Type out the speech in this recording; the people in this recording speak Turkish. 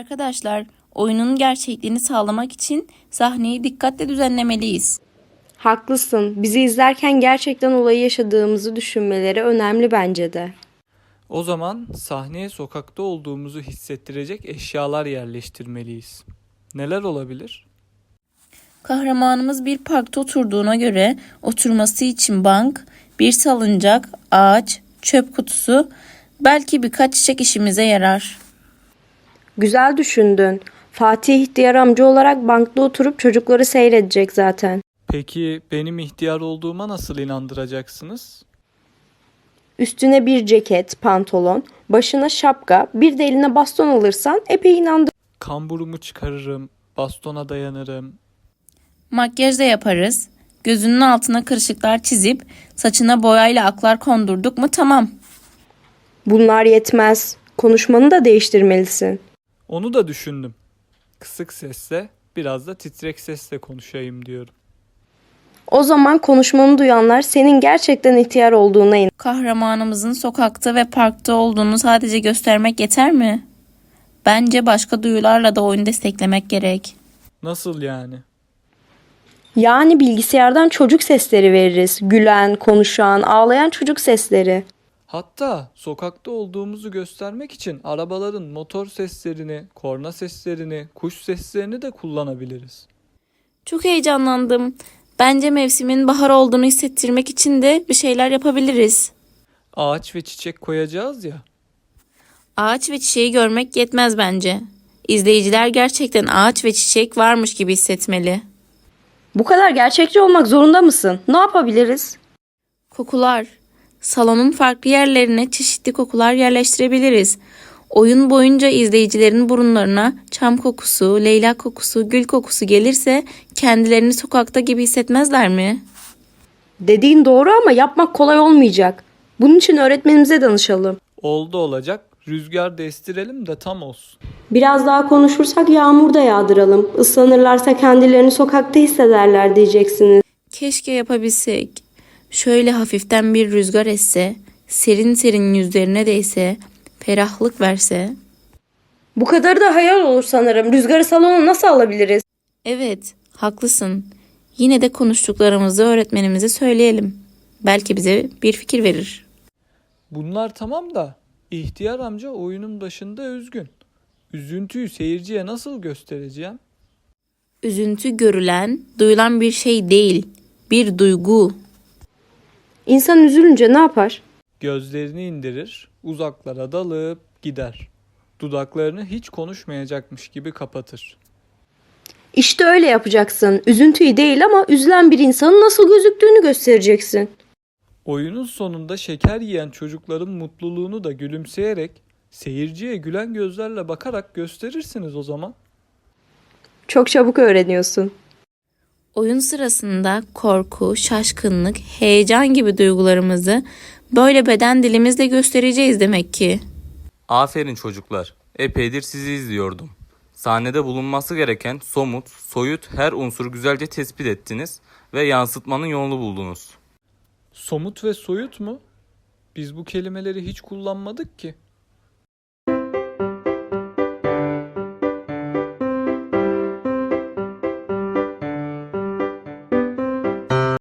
Arkadaşlar, oyunun gerçekliğini sağlamak için sahneyi dikkatle düzenlemeliyiz. Haklısın. Bizi izlerken gerçekten olayı yaşadığımızı düşünmeleri önemli bence de. O zaman sahneye sokakta olduğumuzu hissettirecek eşyalar yerleştirmeliyiz. Neler olabilir? Kahramanımız bir parkta oturduğuna göre oturması için bank, bir salıncak, ağaç, çöp kutusu, belki birkaç çiçek işimize yarar. Güzel düşündün. Fatih ihtiyar amca olarak bankta oturup çocukları seyredecek zaten. Peki benim ihtiyar olduğuma nasıl inandıracaksınız? Üstüne bir ceket, pantolon, başına şapka, bir de eline baston alırsan epey inandır. Kamburumu çıkarırım, bastona dayanırım. Makyaj da yaparız. Gözünün altına kırışıklar çizip saçına boyayla aklar kondurduk mu tamam. Bunlar yetmez. Konuşmanı da değiştirmelisin. Onu da düşündüm. Kısık sesle, biraz da titrek sesle konuşayım diyorum. O zaman konuşmanı duyanlar senin gerçekten ihtiyar olduğuna inanır. Kahramanımızın sokakta ve parkta olduğunu sadece göstermek yeter mi? Bence başka duyularla da oyunu desteklemek gerek. Nasıl yani? Yani bilgisayardan çocuk sesleri veririz. Gülen, konuşan, ağlayan çocuk sesleri. Hatta sokakta olduğumuzu göstermek için arabaların motor seslerini, korna seslerini, kuş seslerini de kullanabiliriz. Çok heyecanlandım. Bence mevsimin bahar olduğunu hissettirmek için de bir şeyler yapabiliriz. Ağaç ve çiçek koyacağız ya. Ağaç ve çiçeği görmek yetmez bence. İzleyiciler gerçekten ağaç ve çiçek varmış gibi hissetmeli. Bu kadar gerçekçi olmak zorunda mısın? Ne yapabiliriz? Kokular. Salonun farklı yerlerine çeşitli kokular yerleştirebiliriz. Oyun boyunca izleyicilerin burunlarına çam kokusu, leylak kokusu, gül kokusu gelirse kendilerini sokakta gibi hissetmezler mi? Dediğin doğru ama yapmak kolay olmayacak. Bunun için öğretmenimize danışalım. Oldu olacak. Rüzgar da estirelim de tam olsun. Biraz daha konuşursak yağmur da yağdıralım. Islanırlarsa kendilerini sokakta hissederler diyeceksiniz. Keşke yapabilsek. Şöyle hafiften bir rüzgar esse, serin serin yüzlerine değse, ferahlık verse. Bu kadarı da hayal olur sanırım. Rüzgarı salona nasıl alabiliriz? Evet, haklısın. Yine de konuştuklarımızı öğretmenimize söyleyelim. Belki bize bir fikir verir. Bunlar tamam da ihtiyar amca oyunun başında üzgün. Üzüntüyü seyirciye nasıl göstereceğim? Üzüntü görülen, duyulan bir şey değil, bir duygu. İnsan üzülünce ne yapar? Gözlerini indirir, uzaklara dalıp gider. Dudaklarını hiç konuşmayacakmış gibi kapatır. İşte öyle yapacaksın. Üzüntüyü değil ama üzülen bir insanın nasıl gözüktüğünü göstereceksin. Oyunun sonunda şeker yiyen çocukların mutluluğunu da gülümseyerek, seyirciye gülen gözlerle bakarak gösterirsiniz o zaman. Çok çabuk öğreniyorsun. Oyun sırasında korku, şaşkınlık, heyecan gibi duygularımızı böyle beden dilimizle göstereceğiz demek ki. Aferin çocuklar. Epeydir sizi izliyordum. Sahnede bulunması gereken somut, soyut her unsuru güzelce tespit ettiniz ve yansıtmanın yolunu buldunuz. Somut ve soyut mu? Biz bu kelimeleri hiç kullanmadık ki.